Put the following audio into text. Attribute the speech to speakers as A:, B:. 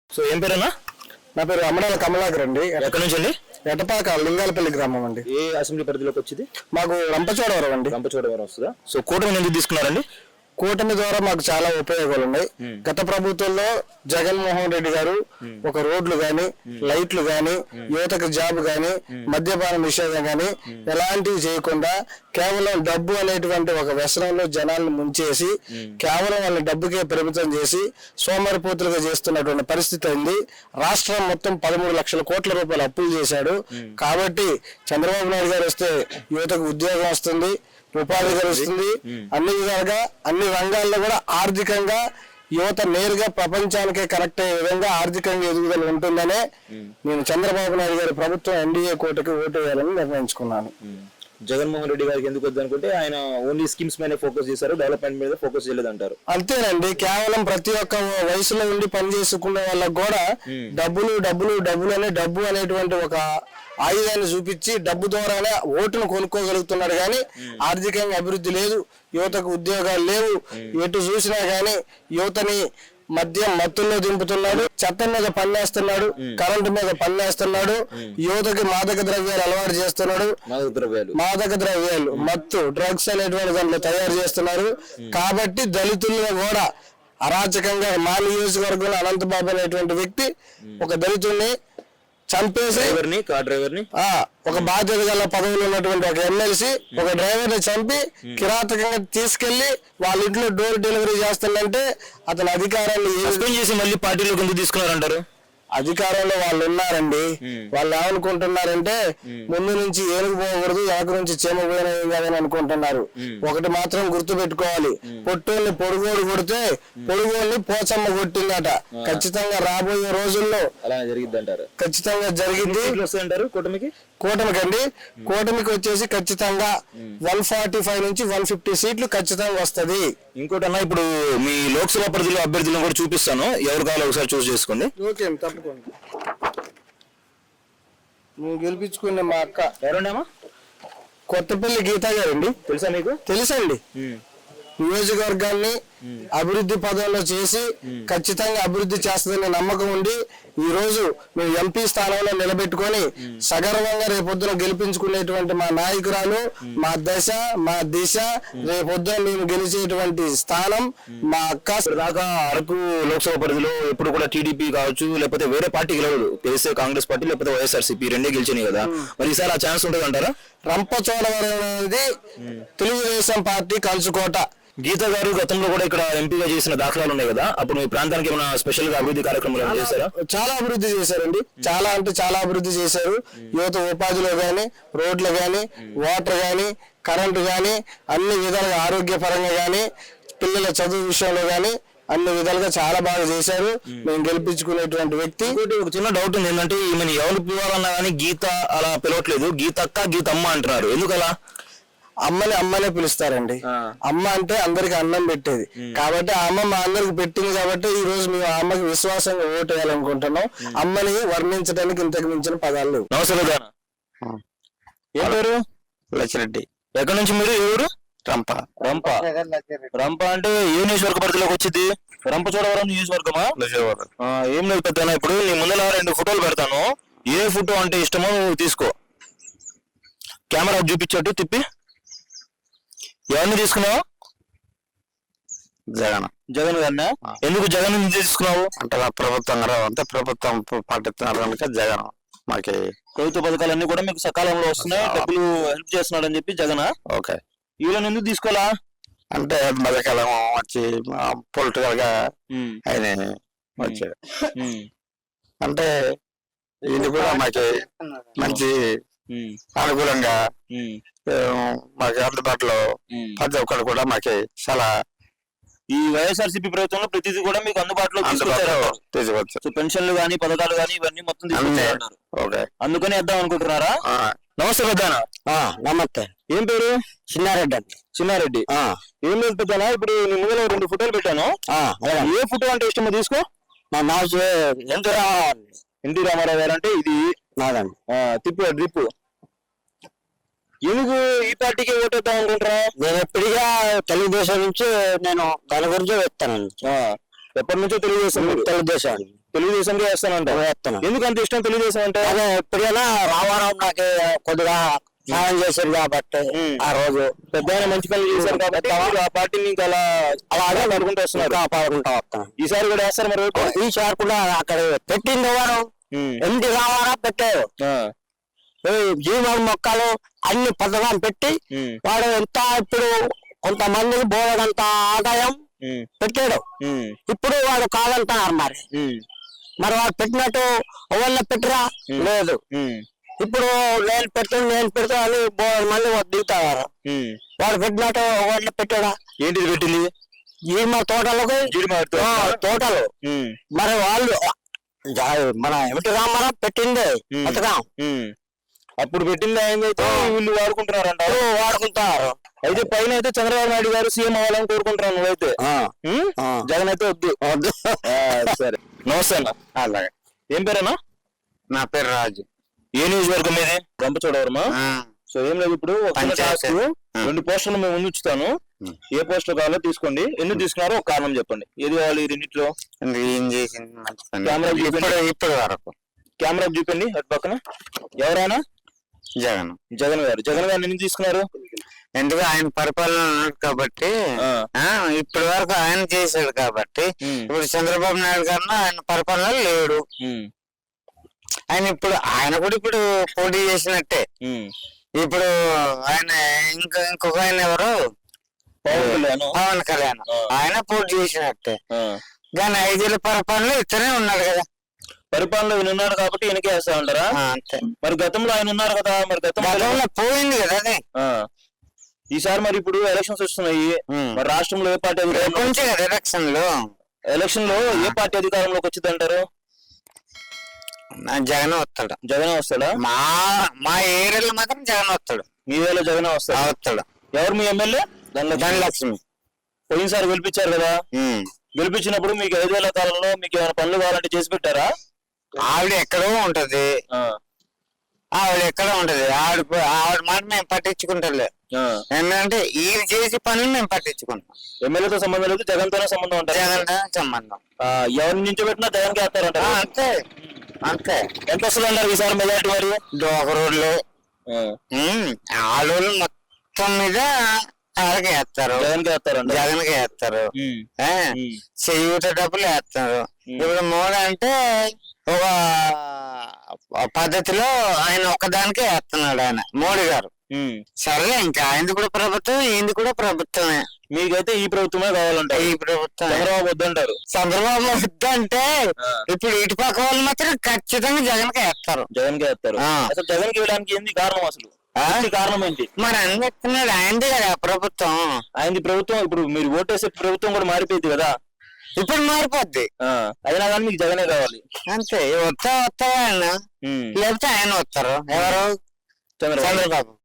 A: So ఏం పేరన్నా?
B: నా పేరు అమరాల కమలాకర్ అండి.
A: ఎక్కడి నుంచి అండి?
B: ఎటపాక లింగాలపల్లి గ్రామం అండి.
A: ఏ అసెంబ్లీ పరిధిలోకి వచ్చింది?
B: మాకు రంపచోడవరం అండి.
A: రంపచోడవరం వస్తుందా? సో కూటమి ఎందుకు తీసుకున్నారండి?
B: కూటమి ద్వారా మాకు చాలా ఉపయోగాలు ఉన్నాయి. గత ప్రభుత్వంలో జగన్మోహన్ రెడ్డి గారు ఒక రోడ్లు గాని, లైట్లు గాని, యువతకు జాబ్ గాని, మద్యపాన నిషేధం గాని ఎలాంటివి చేయకుండా కేవలం డబ్బు అనేటువంటి ఒక వ్యసనంలో జనాలను ముంచేసి కేవలం వాళ్ళ డబ్బుకే పరిమితం చేసి సోమరిపోతులుగా చేస్తున్నటువంటి పరిస్థితి అయింది. రాష్ట్రం మొత్తం 13 లక్షల కోట్ల రూపాయలు అప్పులు చేశాడు. కాబట్టి చంద్రబాబు నాయుడు గారు వస్తే యువతకు ఉద్యోగం వస్తుంది, ఉపాధి కలుస్తుంది. అన్ని విధాలుగా అన్ని రంగాల్లో కూడా ఆర్థికంగా యువత నేరుగా ప్రపంచానికే కనెక్ట్ అయ్యే విధంగా ఆర్థికంగా ఎదుగుదల ఉంటుందనే నేను చంద్రబాబు నాయుడు గారి ప్రభుత్వం ఎన్డీఏ కోటకి ఓటు వేయాలని నిర్ణయించుకున్నాను.
A: జగన్మోహన్ రెడ్డి గారికి ఎందుకు వద్దనుకుంటే ఆయన ఓన్లీ స్కీమ్స్ మీద ఫోకస్ చేశారు, డెవలప్మెంట్ మీద ఫోకస్ చేయలేదంటారు.
B: అంతేనండి. కేవలం ప్రతి ఒక్క వయసులో ఉండి పని చేసుకునే వాళ్ళకి కూడా డబ్బులు డబ్బులు డబ్బులు అనే డబ్బు అనేటువంటి ఒక ఆయుధాన్ని చూపించి డబ్బు ద్వారానే ఓటును కొనుక్కోగలుగుతున్నాడు కానీ ఆర్థికంగా అభివృద్ధి లేదు, యువతకు ఉద్యోగాలు లేవు. ఎటు చూసినా గానీ యువతని మద్యం మత్తుల్లో దింపుతున్నాడు, చట్టం మీద పన్నేస్తున్నాడు, కరెంటు మీద పన్నేస్తున్నాడు, యువతకి మాదక ద్రవ్యాలు అలవాటు చేస్తున్నాడు. మాదక ద్రవ్యాలు మత్తు డ్రగ్స్ అనేటువంటి దాంట్లో తయారు చేస్తున్నారు. కాబట్టి దళితులను కూడా అరాచకంగా మా నియోజకవర్గంలో అనంతబాబు అనేటువంటి వ్యక్తి ఒక దళితుల్ని చంపేసి ఒక బాధ్యత గల పదవులు ఉన్నటువంటి ఒక ఎమ్మెల్సీ ఒక డ్రైవర్ ని చంపి కిరాతకంగా తీసుకెళ్లి వాళ్ళ ఇంట్లో డోర్ డెలివరీ చేస్తుందంటే అతని అధికారాన్ని
A: చేసి మళ్ళీ పార్టీలోకి ఎందుకు తీసుకున్నారంటారు?
B: అధికారంలో వాళ్ళు ఉన్నారండి. వాళ్ళు ఏమనుకుంటున్నారంటే ముందు నుంచి ఏనుగు పోకూడదు, వెనక నుంచి చీమ పోయినది కాదని అనుకుంటున్నారు. ఒకటి మాత్రం గుర్తు పెట్టుకోవాలి, పొట్టోళ్ళని పొడుగోడు కొడితే పొడుగోళ్ళని పోచమ్మ కొట్టిందట. ఖచ్చితంగా రాబోయే రోజుల్లో
A: అలా జరిగింది అంటారు.
B: ఖచ్చితంగా జరిగింది. కూటమికండి కూటమికి వచ్చేసి ఖచ్చితంగా 145 నుంచి 150 సీట్లు ఖచ్చితంగా వస్తది.
A: ఇంకోటి అన్న, ఇప్పుడు మీ లోక్సభ పరిధిలో అభ్యర్థులను కూడా చూపిస్తాను, ఎవరు కావాలో ఒకసారి చూస్ చేసుకోండి.
B: ఓకే తప్పకుండా. నువ్వు గెలిపించుకునే మా అక్క
A: ఎవరండమ్మా?
B: కొత్తపల్లి గీతా గారండి.
A: తెలుసా మీకు?
B: తెలుసండి. నియోజకవర్గాన్ని అభివృద్ధి పదంలో చేసి ఖచ్చితంగా అభివృద్ధి చేస్తుందనే నమ్మకం ఉండి ఈ రోజు మేము ఎంపీ స్థానంలో నిలబెట్టుకొని సగర్వంగా రేపొద్దున గెలిపించుకునేటువంటి మా నాయకురాలు, మా దశ, మా దిశ, రేపొద్దున మేము గెలిచేటువంటి స్థానం మా అక్క.
A: దాకా అరకు లోక్సభ పరిధిలో ఎప్పుడు కూడా టీడీపీ కావచ్చు లేకపోతే వేరే పార్టీ గెలవదు, కేసీఆర్ కాంగ్రెస్ పార్టీ లేకపోతే వైఎస్ఆర్సీపీ రెండే గెలిచినాయి కదా, మరి ఈసారి ఆ ఛాన్స్ ఉంటుంది అంటారా?
B: రంపచోడవరం అనేది తెలుగుదేశం పార్టీ కంచుకోట.
A: గీత గారు గతంలో కూడా ఇక్కడ ఎంపీగా చేసిన దాఖలాలు ఉన్నాయి కదా, అప్పుడు మీ ప్రాంతానికి ఏమైనా స్పెషల్ గా అభివృద్ధి కార్యక్రమాలు చేశారా?
B: చాలా అభివృద్ధి చేశారండి. చాలా అంటే చాలా అభివృద్ధి చేశారు. యువత ఉపాధిలో గాని, రోడ్లు గాని, వాటర్ గాని, కరెంటు గాని, అన్ని విధాలుగా ఆరోగ్యపరంగా గాని, పిల్లల చదువు విషయంలో గాని అన్ని విధాలుగా చాలా బాగా చేశారు. మేము గెలిపించుకునేటువంటి వ్యక్తి.
A: ఒక చిన్న డౌట్ ఉంది ఏంటంటే, ఈమెను ఎవరు పిలవాలన్నా కానీ గీత అలా పిలవట్లేదు, గీతక్క గీతమ్మ అంటున్నారు, ఎందుకలా?
B: అమ్మనే పిలుస్తారండి. అమ్మ అంటే అందరికి అన్నం పెట్టేది కాబట్టి ఆ అమ్మ మా అందరికి పెట్టింది కాబట్టి ఈ రోజు మేము ఆ అమ్మకి విశ్వాసంగా ఓటు వేయాలనుకుంటున్నాం. అమ్మని వర్ణించడానికి ఇంతకు మించిన పదాలు లేవు.
A: నమస్తే. ఏ పేరు?
B: లచ్చిరెడ్డి.
A: ఎక్కడి నుంచి మీరు? ఎవరు?
B: రంప.
A: రంప అంటే ఏ నియోజకవర్గ పరిధిలోకి వచ్చింది? రంపచోడవరం నియోజకవర్గమా? ఏం లేదు పెద్దనా, ఇప్పుడు నీ ముందర 2 ఫోటోలు పెడతాను, ఏ ఫోటో అంటే ఇష్టమో నువ్వు తీసుకో. కెమెరా చూపించట్టు తిప్పి. ఎవరిని తీసుకున్నావు? జగన్ గారినా? ఎందుకు జగన్ తీసుకున్నావు?
B: అంటే ప్రభుత్వం అంతే, ప్రభుత్వం పాటిస్తున్నారు కనుక జగన్ మాకి
A: ప్రభుత్వ పథకాలన్నీ కూడా మీకు సకాలంలో వస్తున్నాయి, డబ్బులు హెల్ప్ చేస్తున్నాడు అని చెప్పి జగన్.
B: ఓకే.
A: వీళ్ళని ఎందుకు తీసుకోవాలా
B: అంటే మధ్యకాలం వచ్చి పొలిటికల్ గా ఆయన వచ్చాడు అంటే ఇది కూడా మాకి మంచి అనుకూలంగా మాకు అందుబాటులో ప్రతి ఒక్కరు కూడా మాకి చాలా
A: ఈ వైఎస్ఆర్సీపీ ప్రభుత్వంలో ప్రతిదీ కూడా మీకు అందుబాటులో తీసుకొచ్చారు. పెన్షన్లు గానీ పథకాలు గానీ ఇవన్నీ మొత్తం తీసుకొచ్చారు. అందుకని వేద్దాం అనుకుంటున్నారా? నమస్తే పెద్దనా.
B: నమస్తే.
A: ఏం పేరు?
B: చిన్నారెడ్డి అండి.
A: చిన్నారెడ్డి. ఏం లేదు పెద్దనా, ఇప్పుడు నీ ముందులో 2 ఫోటోలు పెట్టాను, ఏ ఫోటో అంటే ఇష్టమో తీసుకో.
B: మా మాస్
A: ఎన్టీ రామారావు గారు అంటే ఇది
B: నాదండి.
A: తిప్పు డ్రిప్. ఎందుకు ఈ పార్టీకి ఓటేద్దాం అనుకుంటారా?
B: నేను ఎప్పటిగా తెలుగుదేశం నుంచి నేను దాని గురించి వేస్తానండి.
A: ఎప్పటి నుంచో తెలుగుదేశం. తెలుగుదేశంగా వేస్తానంట. ఎందుకు అంత ఇష్టం తెలుగుదేశం అంటే?
C: అదే ఎప్పుడైనా రామారావు నాకు కొద్దిగా సాయం చేశారు కాబట్టి ఆ రోజు
A: పెద్ద మంచి పనులు చేశారు కాబట్టి ఆ పార్టీని ఇంకా అలాగే నడుకుంటూ వస్తున్నారు.
C: కాపాడుకుంటా వస్తాం.
A: ఈసారి కూడా వేస్తారు మరి ఓటు?
C: ఈసారి కూడా అక్కడ పెట్టింది ఎవరు? ఎన్టీ రామారావు పెట్టారు. జీవన మొక్కలు అన్ని పథకాలు పెట్టి వాడు ఎంత ఇప్పుడు కొంతమందికి బోలెడంత ఆదాయం పెట్టాడు. ఇప్పుడు వాడు కాదంటున్నారు. మరి వాడు పెట్టినట్టు ఎవరిని పెట్టరా? లేదు. ఇప్పుడు నేను పెడతా అని మంది దిగుతారు. వాడు పెట్టినట్టు ఎవరిని పెట్టాడా?
A: ఏంటిది పెట్టింది?
C: జీమ తోటలకు తోటలు. మరి వాళ్ళు మన ఎన్టీ రామారావు పెట్టింది పథకం.
A: అప్పుడు పెట్టింది ఆయనైతే వీళ్ళు వాడుకుంటున్నారంట.
C: వాడుకుంటారు.
A: అయితే పైన అయితే చంద్రబాబు నాయుడు గారు సీఎం అవ్వాలని కోరుకుంటున్నాను నువ్వైతే. జగన్ అయితే వద్దు. సరే, నమస్తే అన్న.
C: అలాగే.
A: ఏం పేరేనా?
C: నా పేరు రాజు.
A: ఏ నియోజకవర్గం మీది? రంపచోడవరమా? సో ఏం లేదు, ఇప్పుడు 2 పోస్టర్లు మేము ముందు ఉంచుతాను. ఏ పోస్టర్ కావాలో తీసుకోండి. ఎందుకు తీసుకున్నారో ఒక కారణం చెప్పండి. ఏది కావాలి ఈ రెండిట్లో?
C: ఏం చేసింది
A: కెమెరా
C: ఇప్పటి వరకు
A: కెమెరా చూపండి. అటు పక్కన ఎవరైనా? జగన్ గారు. జగన్ గారిని ఎందుకు తీసుకున్నారు?
C: ఎందుకు ఆయన పరిపాలన కాబట్టి, ఇప్పటి వరకు ఆయన చేశాడు కాబట్టి. ఇప్పుడు చంద్రబాబు నాయుడు గారు ఆయన పరిపాలన లేడు. ఆయన కూడా ఇప్పుడు పోటీ చేసినట్టే. ఇప్పుడు ఆయన ఇంకొక ఆయన ఎవరు? పవన్ కళ్యాణ్. ఆయన పోటీ చేసినట్టే. కానీ 5 ఏళ్ళ పరిపాలన ఇతనే ఉన్నాడు కదా.
A: పరిపాలనలో ఈయన ఉన్నాడు కాబట్టి ఈయనకే వేస్తా ఉంటారా?
C: అంతే.
A: మరి గతంలో ఆయన ఉన్నారు కదా, మరి
C: గతంలో పోయింది కదా అది.
A: ఈసారి మరి ఇప్పుడు ఎలక్షన్స్ వస్తున్నాయి. మరి రాష్ట్రంలో ఏ పార్టీ ఎలక్షన్ లో ఏ పార్టీ అధికారంలోకి వచ్చింది అంటారు?
C: జగన్ వస్తాడు.
A: జగన్ వస్తాడా?
C: మా ఏరియాలో మాత్రం జగన్ వస్తాడు.
A: మీ ఏరియాలో జగన్ వస్తాడు. ఎవరు మీ ఎమ్మెల్యే?
C: ధనలక్ష్మి.
A: పోయినసారి గెలిపించారు కదా. గెలిపించినప్పుడు మీకు 5 ఏళ్ల కాలంలో మీకు ఏమైనా పనులు కావాలంటే చేసి పెట్టారా?
C: ఆవిడ ఎక్కడో ఉంటది. ఆవిడ మాట మేము పట్టించుకుంటలే. ఎందుకంటే ఈయన చేసే పనులు మేము పట్టించుకుంటాం.
A: ఎమ్మెల్యేతో సంబంధం లేదు, జగన్ తోనే సంబంధం ఉంటుంది.
C: జగన్ సంబంధం.
A: ఎవరిని నుంచి పెట్టినా జగన్ కి వేస్తారంట.
C: అంతే అంతే.
A: ఎంత వస్తుంది అంటారు ఈసారి మెజార్టీ? మరి
C: ఒక రోడ్లు ఆడోళ్ళు మొత్తం మీద వాళ్ళకి వేస్తారు.
A: జగన్ కి వేస్తారంట.
C: జగన్ కి వేస్తారు. చేయూత డబ్బులు వేస్తారు. ఇప్పుడు మోడీ అంటే ఒక పద్ధతిలో ఆయన ఒక్కదానికే వేస్తున్నాడు ఆయన మోడీ గారు. సరే, ఇంకా ఆయనది కూడా ప్రభుత్వం, ఈయనది కూడా ప్రభుత్వమే.
A: మీకైతే ఈ ప్రభుత్వమే కావాలంటారు?
C: ఈ ప్రభుత్వం.
A: చంద్రబాబు వద్దంటారు?
C: చంద్రబాబు వద్దంటే ఇప్పుడు ఇటు పక్క వాళ్ళు మాత్రం ఖచ్చితంగా జగన్ కి వేస్తారు.
A: జగన్ కి వేస్తారు. అసలు జగన్ కి వేయడానికి ఏంది కారణం? అసలు కారణం ఏంటి?
C: మరి అని చెప్తున్నాడు. ఆయనది కదా ప్రభుత్వం.
A: ఆయనది ప్రభుత్వం. ఇప్పుడు మీరు ఓటేసే ప్రభుత్వం కూడా మారిపోయింది కదా.
C: ఇప్పుడు మారిపోద్ది.
A: అయినా కానీ మీకు జగనే కావాలి.
C: అంతే. వస్తా ఆయన, లేకపోతే ఆయన వస్తారు. ఎవరు?
A: చంద్రబాబు.